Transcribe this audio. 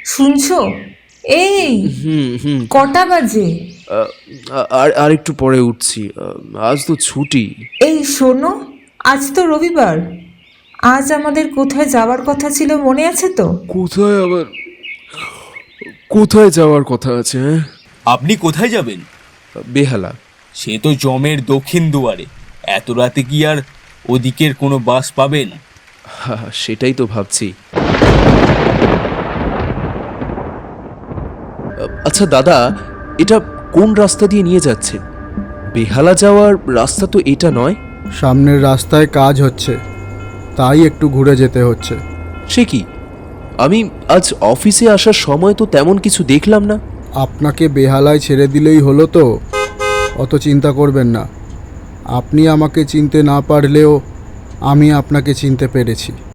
শুনছো? এই হুম হুম। কটা বাজে? আর একটু পরে উঠছি, আজ তো ছুটি। এই শোনো, আজ তো রবিবার। আজ আমাদের কোথায় যাওয়ার কথা ছিল, মনে আছে তো? কোথায় আবার, কোথায় যাওয়ার কথা আছে? হ্যাঁ, আপনি কোথায় যাবেন? বেহালা। সে তো জমের দক্ষিণ দুয়ারে। এত রাতে কি আর ওদিকের কোনো বাস পাবেন? সেটাই তো ভাবছি। আচ্ছা দাদা, এটা কোন রাস্তা দিয়ে নিয়ে যাচ্ছেন? বেহালা যাওয়ার রাস্তা তো এটা নয়। সামনের রাস্তায় কাজ হচ্ছে, তাই একটু ঘুরে যেতে হচ্ছে। সে কি, আমি আজ অফিসে আসার সময় তো তেমন কিছু দেখলাম না। আপনাকে বেহালায় ছেড়ে দিলেই হলো তো, অত চিন্তা করবেন না। আপনি আমাকে চিনতে না পারলেও আমি আপনাকে চিনতে পেরেছি।